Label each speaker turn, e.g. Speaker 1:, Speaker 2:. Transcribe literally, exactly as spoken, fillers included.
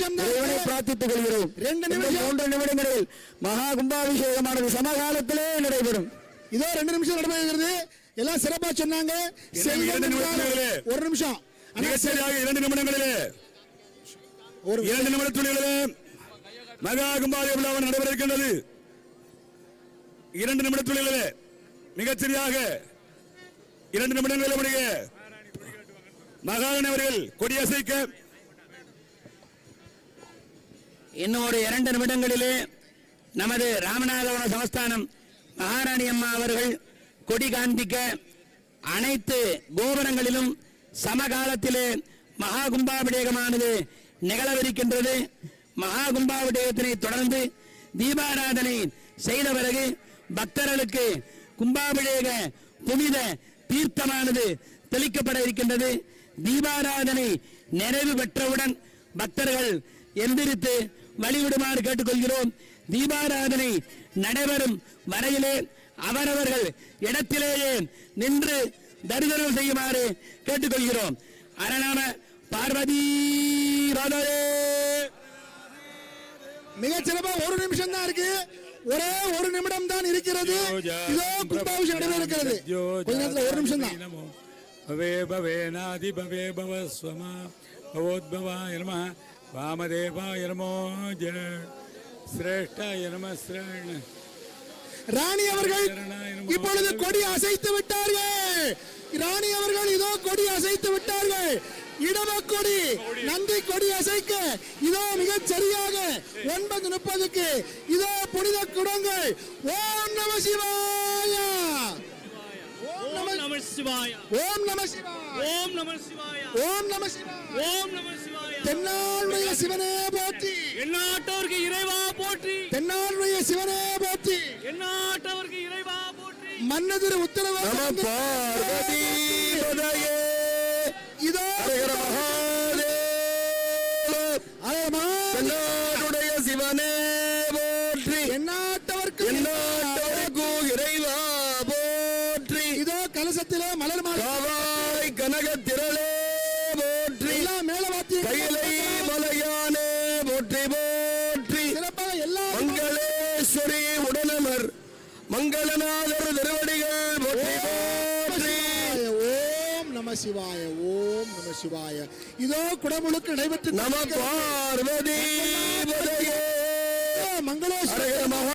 Speaker 1: நிமிஷம் தான்
Speaker 2: பிரார்த்தித்துக் கொள்கிறோம். ரெண்டு நிமிஷம் மூன்று நிமிடங்களில் மகா கும்பாபிஷேகமானது சமகாலத்திலே நடைபெறும்.
Speaker 1: இதோ ரெண்டு நிமிஷம் நடைபெறுகிறது. எல்லாம் சிறப்பா சொன்னாங்க. ஒரு நிமிஷம்
Speaker 3: இரண்டு நிமிடங்களிலே ஒரு இரண்டு நிமிடத்துள்ளிலே மகா கும்பாபிஷேகம் நடைபெற இருக்கின்றது. இரண்டு நிமிடத்துள்ளிலே மிகச்சரியாக இரண்டு நிமிடங்களில் மகாராணி அவர்கள் கொடியசைக்க
Speaker 2: இன்னும் ஒரு இரண்டு நிமிடங்களிலே நமது ராமநாதபுரம் சமஸ்தானம் மகாராணி அம்மா அவர்கள் கொடி காண்பிக்க அனைத்து கோபுரங்களிலும் சமகாலத்திலே மகா கும்பாபிஷேகமானது நிகழவிருக்கின்றது. மகா கும்பாபிஷேகத்தினை தொடர்ந்து தீபாராதனை செய்த பிறகு பக்தர்களுக்கு கும்பாபிஷேக புனித தீர்த்தமானது தெளிக்கப்பட இருக்கின்றது. தீபாராதனை நிறைவு பெற்றவுடன் பக்தர்கள் எந்திரித்து வழிவிடுமாறு கேட்டுக்கொள்கிறோம். தீபாராதனை நடைபெறும் வரையிலே அவரவர்கள் இடத்திலேயே நின்று தரிசனம் செய்யுமாறு கேட்டுக்கொள்கிறோம். அரணாம பார்வதி
Speaker 1: மிகச்சிறப்பா ஒரு நிமிஷம் தான் இருக்கு. ஒரே ஒரு நிமிடம் தான் இருக்கிறது. இதோ கும்பாபிஷேகம் நடைபெற இருக்கிறது. கொஞ்ச நேரத்தில் ஒரு நிமிஷம் தான்.
Speaker 4: பவே பவேநாதி பவே பவஸ்வமா பவோத்பவாய நமः வாமதேவாய நமோ ஜெய சிரேஷ்டாய நமः ஸ்ரேண.
Speaker 1: ராணி அவர்கள் இப்பொழுது கொடி அசைத்து விட்டார்கள். ராணி அவர்கள் இதோ கொடி அசைத்து விட்டார்கள். இடம கொடி நந்தி கொடி அசைக்க இதோ மிக சரியாக ஒன்பது முப்பதுக்கு இதோ புனித குடங்கள். ஓம் நம சிவாய ஓம் நம சிவாய ஓம் நம சிவாய ஓம் நம சிவாய ஓம் நம சிவாய ஓம் நம சிவாய. தென்னாளுடைய சிவனே போற்றி,
Speaker 5: எந்நாட்டவருக்கு இறைவா போற்றி.
Speaker 1: தென்னாளுடைய சிவனே போற்றி,
Speaker 5: எந்நாட்டவருக்கு இறைவா போற்றி.
Speaker 1: மன்னதிரு உத்தரவு இதோ
Speaker 3: தென்னாடுடைய சிவனே போற்றி,
Speaker 1: எந்நாட்டவர்க்கு
Speaker 3: எந்நாட்டவர்க்கு இறைவா போற்றி.
Speaker 1: இதோ கலசத்திலே மலர்
Speaker 3: மாலை கனக திரளே போற்றி,
Speaker 1: மேலவாத்தி
Speaker 3: கையிலை மலையானே போற்றி போற்றி.
Speaker 1: சிறப்பாக எல்லா
Speaker 3: மங்களேஸ்வரி உடனமர் மங்களநாதர் திருவடிகள் போற்றி போற்றி.
Speaker 1: ஓம் நம சிவாய ஓம் நம சிவாய. இதோ குடமுழுக்கு நடைபெற்று
Speaker 3: நம பார்வதி மங்களேஸ்வரி